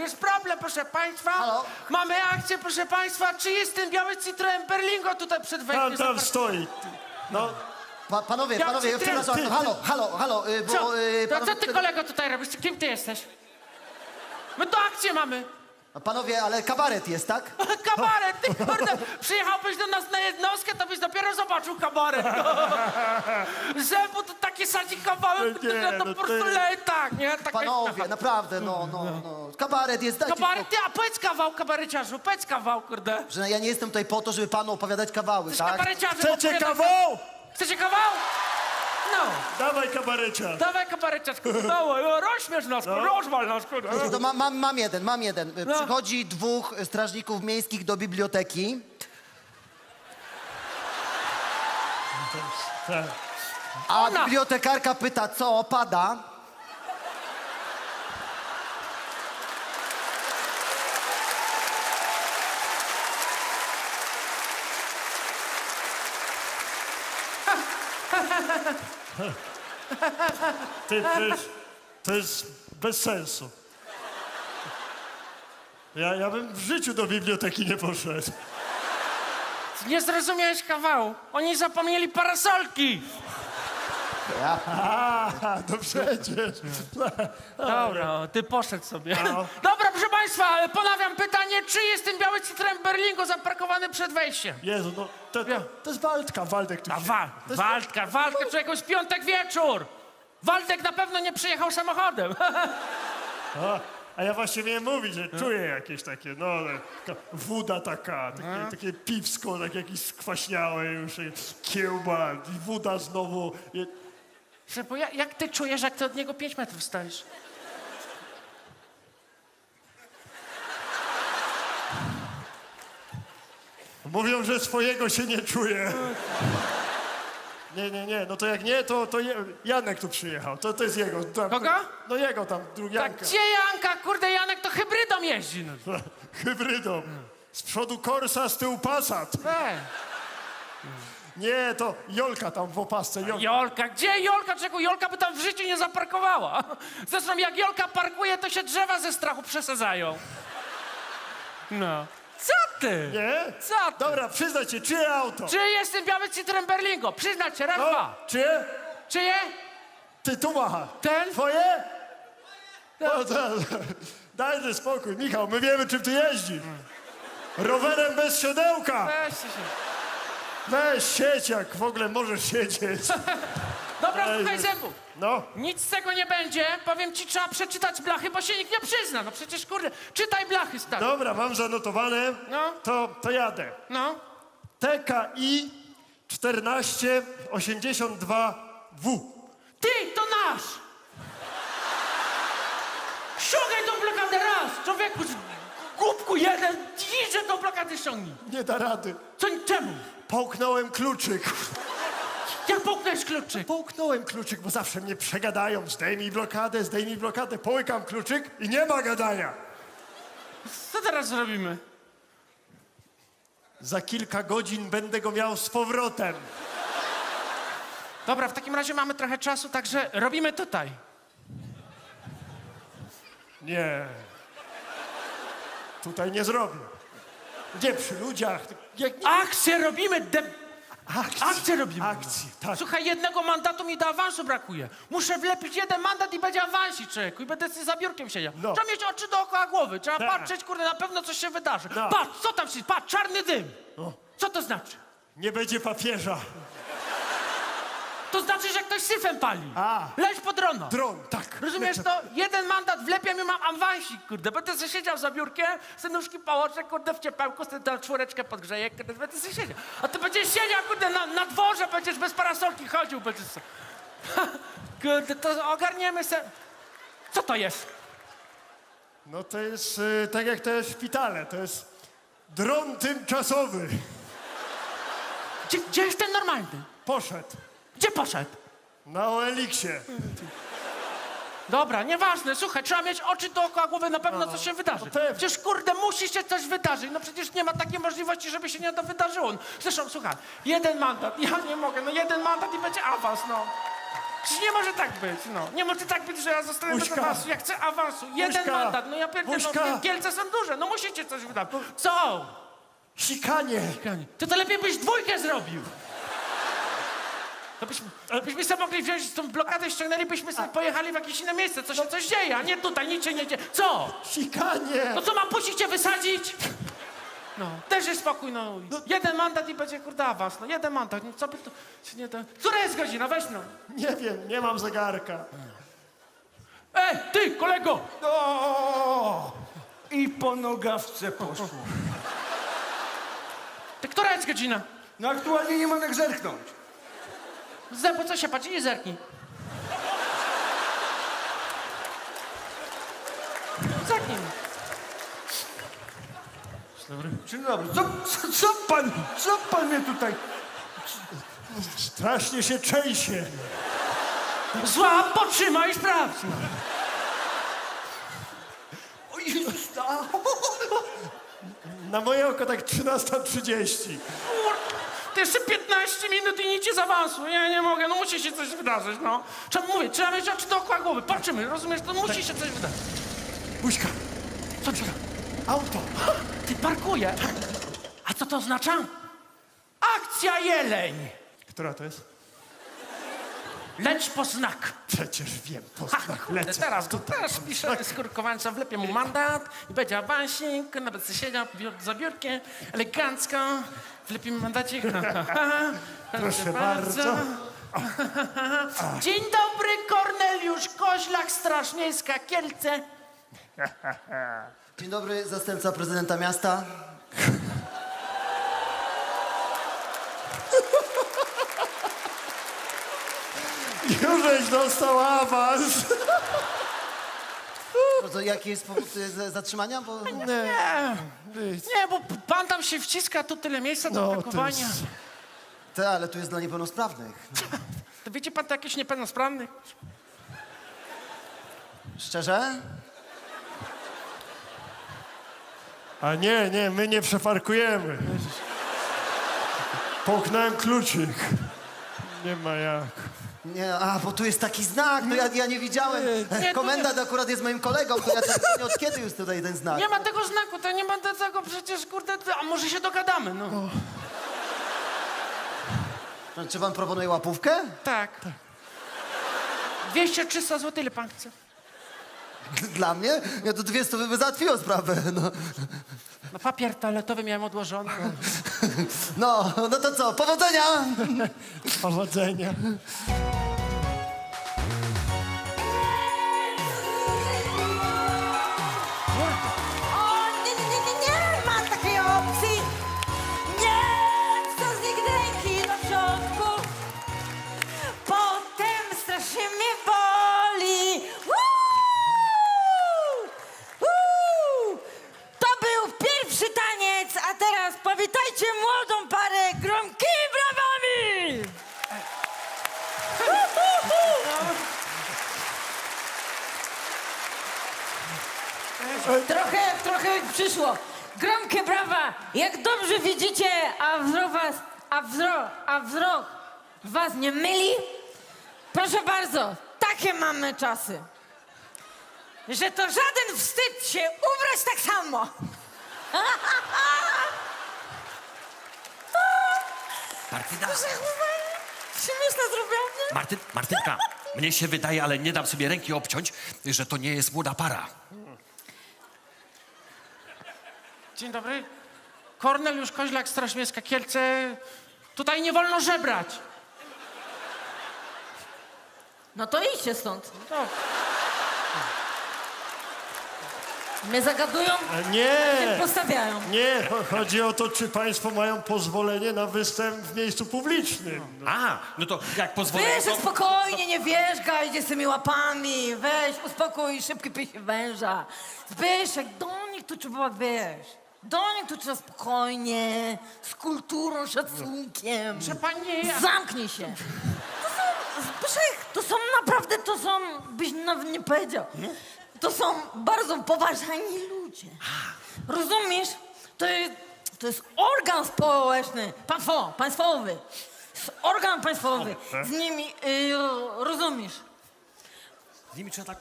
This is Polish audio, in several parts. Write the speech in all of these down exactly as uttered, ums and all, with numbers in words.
jest problem, proszę państwa. Halo? Mamy akcję, proszę państwa. Czy jest ten biały Citroen Berlingo tutaj przed wejściem? Tam, tam Zapar- stoi. No, Pa, panowie, Ja panowie, ci- przepraszam, ty- ty- halo, halo, halo, y, bo... Co? y, To co panowie, ty, kolego, tutaj robisz? Kim ty jesteś? My to akcję mamy. Panowie, ale kabaret jest, tak? Kabaret, ty kurde, przyjechałbyś do nas na jednostkę, to byś dopiero zobaczył kabaret. Zębu to takie sadzi kawałek, Nie, że to no po prostu ty- lej tak, nie? Tak Panowie, naprawdę, no, no, no. Kabaret jest, dajcie Kabaret, spokój. ty, a powiedz kawał, kabareciarzu, powiedz kawał, kurde. Że ja nie jestem tutaj po to, żeby panu opowiadać kawały, tak? Kabareciarzu, chcecie opowiadaj- kawał? Chcecie kawał? No, Dawaj kabarecia. dawaj kabareciarzku, dawaj, no, rozśmiesz nas, No. rozwal nas, kurde. To mam, mam, mam jeden, mam jeden. No. Przychodzi dwóch strażników miejskich do biblioteki. Tak. A Ona. bibliotekarka pyta, co, pada? Ty, to jest, to jest bez sensu. Ja, ja bym w życiu do biblioteki nie poszedł. Nie zrozumiałeś kawału, oni zapomnieli parasolki. Ja. A, no przecież. Dobra, o, ty poszedł sobie. No. Dobra, proszę państwa, ponawiam pytanie, czy jest ten biały Citroen Berlingo zaparkowany przed wejściem? Jezu, no to, to, to jest Waldka, Waldek tu A się- wa to jest- Waldka, Waldka, człowieku, jest piątek wieczór. Waldek na pewno nie przyjechał samochodem. A, a ja właśnie miałem mówić, że czuję jakieś takie, no, taka woda taka, takie, takie piwsko, tak jakieś skwaśniałe już, i kiełba i woda znowu. I, Bo ja, jak ty czujesz, jak ty od niego pięć metrów stoisz? mówią, że swojego się nie czuje. Nie, nie, nie, no to jak nie, to, to Je- Janek tu przyjechał, to, to jest jego. Tam, Kogo? No jego tam, drugi Tak, Janka. gdzie Janka? Kurde, Janek to hybrydą jeździ. No. Hybrydą. Z przodu Corsa, z tyłu Passat. Ej. Nie, to Jolka tam w opasce. Jolka. Jolka, gdzie Jolka? Czego Jolka by tam w życiu nie zaparkowała? Zresztą jak Jolka parkuje, to się drzewa ze strachu przesadzają. No. Co ty? Nie? Co ty? Dobra, przyznaj się, czyje auto? Czy jest ten biały Citroen Berlingo? Przyznać się, raz, No, dwa. czyje? Czyje? Ty tu macha. Ten? Twoje? No, to, dajże spokój, Michał, my wiemy, czym ty jeździsz. Rowerem bez siodełka. Weźcie się. Weź, siedź, jak w ogóle możesz siedzieć. Dobra, Ej, słuchaj wy- zębów. No, Nic z tego nie będzie. Powiem ci, trzeba przeczytać blachy, bo się nikt nie przyzna. No przecież, kurde, czytaj blachy, stary. dobra, mam zanotowane. No. To, to jadę. No. T K I czternaście osiemdziesiąt dwa W. Ty, to nasz! Ściągaj tą blokadę raz! Człowieku, głupku jeden, idźże tą blokadę ściągnij. Nie da rady. Co, czemu? Połknąłem kluczyk. Jak połknąłeś kluczyk? Połknąłem kluczyk, bo zawsze mnie przegadają. Zdejmij blokadę, zdejmij blokadę. Połykam kluczyk i nie ma gadania. Co teraz zrobimy? Za kilka godzin będę go miał z powrotem. Dobra, w takim razie mamy trochę czasu, także robimy tutaj. Nie. Tutaj nie zrobię. Gdzie przy ludziach? Jak nie... Akcję robimy, de... Akcji. Akcję robimy. Akcji, tak. Słuchaj, jednego mandatu mi do awansu brakuje. Muszę wlepić jeden mandat i będzie awansik, człowieku. I będę sobie za biurkiem siedział. No. Trzeba mieć oczy dookoła głowy. Trzeba Tak. patrzeć, kurde, na pewno coś się wydarzy. No. Patrz, co tam się... Patrz, czarny dym. O. Co to znaczy? Nie będzie papieża. To znaczy, że ktoś syfem pali. A. Leć pod rono. Dron, tak. Rozumiesz to? Jeden mandat wlepiam i mam awansik, kurde. Będę sobie siedział za biurkiem, sobie nóżki położę, kurde, w ciepełku, sobie tę czwóreczkę podgrzeję, kurde, będę sobie siedział. A ty będziesz siedział, kurde, na, na dworze, będziesz bez parasolki chodził, będziesz sobie... Kurde, to ogarniemy se... Co to jest? No to jest y, tak jak te szpitale. To jest dron tymczasowy. Gdzie, gdzie jest ten normalny? Poszedł. Gdzie poszedł? Na O L X-ie. Dobra, nieważne, słuchaj, trzeba mieć oczy dookoła głowy, na pewno coś się wydarzy. no pewnie. Przecież, kurde, musi się coś wydarzyć. No przecież nie ma takiej możliwości, żeby się nie to wydarzyło. Zresztą, słuchaj, jeden mandat, ja nie mogę, no jeden mandat i będzie awans, no. Przecież nie może tak być, no. Nie może tak być, że ja zostanę bez Buźka. awansu. Ja chcę awansu. Jeden Buźka. mandat. No ja pierdolę, Buźka. no Kielce są duże. No musicie coś wydać. Co? Sikanie! Ty to lepiej byś dwójkę zrobił. To byśmy, byśmy sobie mogli wziąć tą blokadę, ściągnęlibyśmy sobie, pojechali w jakieś inne miejsce. Co się coś dzieje, a nie tutaj, nic się nie dzieje. Co? Sikanie! No co, mam puścić cię wysadzić? No, też jest spokój, no. Jeden mandat i będzie, kurde, awans. No, jeden mandat. No, co by to się nie da... Która jest godzina? Weź no. Nie wiem, nie mam zegarka. Ej, ty, kolego! O! I po nogawce poszło. Ty, która jest godzina? No aktualnie nie mam jak zerknąć. Zębu, co się patrzy? Nie zerknij. Zerknij. Dzień dobry. Co, co, co pan, co pan mnie tutaj... Strasznie się trzęsie. Zła, potrzymaj i sprawdź. O Jezus, a, Na moje oko tak trzynasta trzydzieści. Kur... To jeszcze piętnaście minut i nic ci z awansu. Ja nie mogę, no musi się coś wydarzyć, no. Trzeba mówić, trzeba mieć oczy dookoła głowy. Patrzymy, rozumiesz? To musi się coś wydarzyć. Buźka, Co ci auto. Ty parkuje. A co to oznacza? Akcja jeleń. Która to jest? Leć po znak. Przecież wiem, po Ha, znak kurde, lecę. teraz, to teraz pisze skurkowańca, wlepie mu mandat i będzie awansik, nawet sobie siedział biur- za biurkiem, elegancko, wlepie mu mandacik. Proszę bardzo. Dzień dobry, Korneliusz Koźlak, Straż Miejska, Kielce. Dzień dobry, zastępca prezydenta miasta. Jużeś dostał awans. No to jaki jest powód y, z- zatrzymania? Bo... Nie, nie, bo pan tam się wciska, tu tyle miejsca do No, to parkowania. jest... Te, ale tu jest dla niepełnosprawnych. To widzi pan to jakiś niepełnosprawny? Szczerze? A nie, nie, my nie przeparkujemy. Połknąłem kluczyk. Nie ma jak. Nie, a, bo tu jest taki znak, no ja, ja nie widziałem. nie, to Komendant akurat jest moim kolegą, to ja też nie od kiedy jest tutaj ten znak. Nie ma tego znaku, to nie ma tego przecież, kurde, a może się dogadamy, no. No, czy pan proponuje łapówkę? Tak. dwieście trzysta złotych, ile pan chce? Dla mnie? Ja to dwie stówy by załatwiło sprawę. No. No papier toaletowy miałem odłożony. no, no to co, powodzenia! Powodzenia. O, nie, nie, nie, nie, nie ma takiej opcji. Nie, co z nigdy ręki do środku. Potem strasznie mnie boli. Uuu, uuu. To był pierwszy taniec, a teraz powitajcie młodą parę gromkimi brawami. Trochę, trochę przyszło. Gromkie brawa! Jak dobrze widzicie, a wzrok was, a wzrok, a wzrok was nie myli? Proszę bardzo, takie mamy czasy. Że to żaden wstyd się ubrać tak samo. Martyna, Śmieszne zrobiłam, nie? Martyn, Martynka, mnie się wydaje, ale nie dam sobie ręki obciąć, że to nie jest młoda para. Dzień dobry. Korneliusz Koźlak, Straż Miejska, Kielce. Tutaj nie wolno żebrać. No to idźcie stąd. No, Mnie zagadują, A nie, postawiają. nie. cho- Chodzi o to, czy państwo mają pozwolenie na występ w miejscu publicznym. No. A, no to jak pozwolę, Wiesz, to... spokojnie, nie wierzgaj, idzie z tymi łapami. Weź, uspokój, szybki pij się węża. Zbyszek, do nich tu trzeba, wiesz, do nich tu trzeba spokojnie, z kulturą, szacunkiem. że pan nie ja. Zamknij się. To są, Zbyszek, to są naprawdę, to są, byś nawet nie powiedział. To są bardzo poważani ludzie. Rozumiesz? To jest, to jest organ społeczny, państwo, państwowy. jest organ państwowy. Z nimi, y, rozumiesz? Z nimi trzeba tak...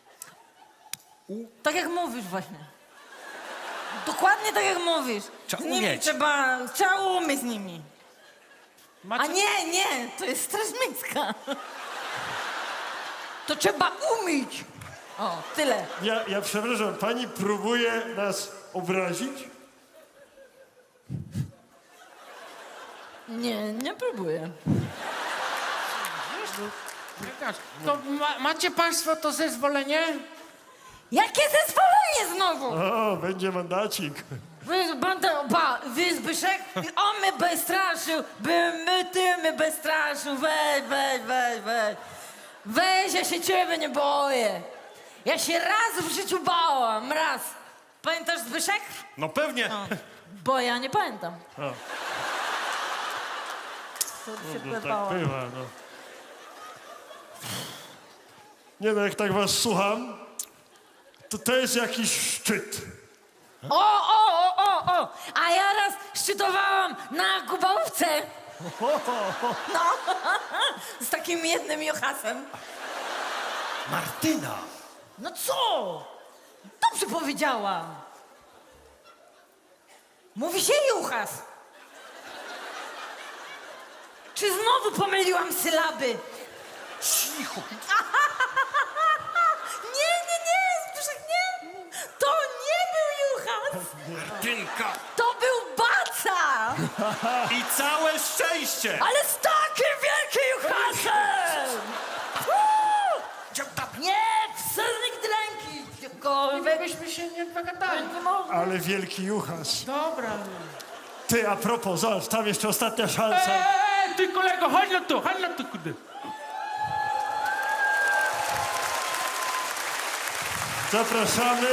Tak jak mówisz właśnie. Dokładnie tak jak mówisz. Trzeba z nimi umieć. trzeba, trzeba umieć z nimi. A Macie... nie, nie, to jest Straż Miejska. To trzeba umieć. O, tyle. Ja, ja przepraszam, pani próbuje nas obrazić? Nie, nie próbuję. To ma, macie państwo to zezwolenie? Jakie zezwolenie znowu? O, będzie mandacik. Wy, banda, ba, wy Zbyszek, on mnie bestraszył, by my, ty mnie bestraszył, weź, weź, weź, weź. Weź, ja się ciebie nie boję. Ja się raz w życiu bałam, raz. Pamiętasz Zbyszek? No pewnie. O, bo ja nie pamiętam. O. To się No, tak bałam. bywa, no. Nie no, jak tak was słucham, to to jest jakiś szczyt. O, o, o, o, o! A ja raz szczytowałam na Gubałówce. No, z takim jednym Johasem. Martyna! No co? Dobrze powiedziałam. Mówi się Juchas. Czy znowu pomyliłam sylaby? Cicho! Nie, nie, nie, Zbyszek, nie. To nie był Juchas. Martynka! To był Baca. I całe szczęście! Ale z takim wielkim Juchasem. Uuu! Nie, psa nigdy ręki. Gdziekolwiek. Byśmy się nie dogadali. Nie można. Ale wielki juchas. Dobra. Ty, a propos, zobacz, tam jeszcze ostatnia szansa. Eee, ty kolego, chodź no tu, chodź no tu, kurde. Zapraszamy.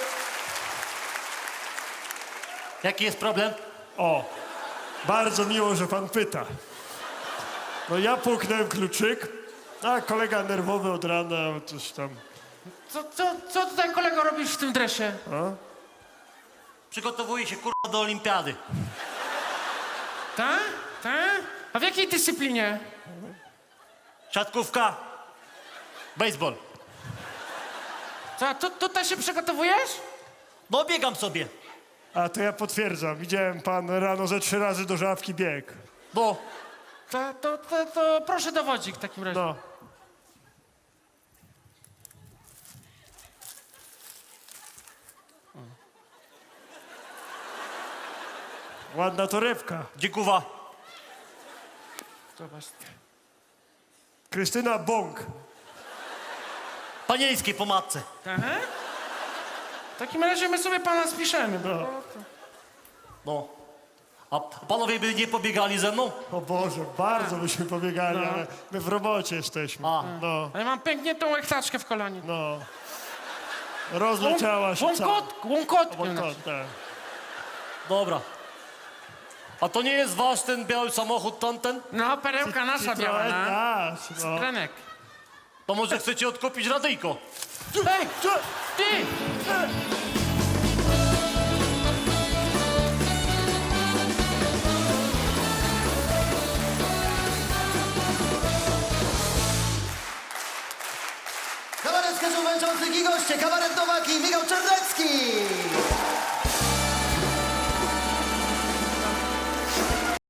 Jaki jest problem? O, bardzo miło, że pan pyta. No ja puknąłem kluczyk, a kolega nerwowy od rana, coś tam. Co, co, co tutaj kolego robisz w tym dresie? Przygotowuję się kurwa do olimpiady. Tak? Tak? A w jakiej dyscyplinie? Siatkówka. Baseball. Co, a tu, tutaj się przygotowujesz? No biegam sobie. A to ja potwierdzam, widziałem pan rano ze trzy razy do żabki bieg. No. To, to, to, to proszę dowodzik w takim razie. No. Ładna torebka. Dziękuję. Zobacz. Krystyna Bąk. Panieńskiej po matce. Aha. W takim razie my sobie pana spiszemy. No. No. A panowie by nie pobiegali ze mną? O Boże, bardzo byśmy pobiegali, No. ale my w robocie jesteśmy. A. No, A ja mam pękniętą łechtaczkę w kolanie. no. Rozleciała się cała. Łąkot, łąkotkę. Łąkot, tak. Dobra. A to nie jest wasz ten biały samochód tamten? No, perełka nasza biała, Citroen no. nasz, no. Krenek. To może chcecie odkupić radyjko? Ej, ty! Kabaret z męczących i goście, kabaret Nowaki, Michał Czarnecki.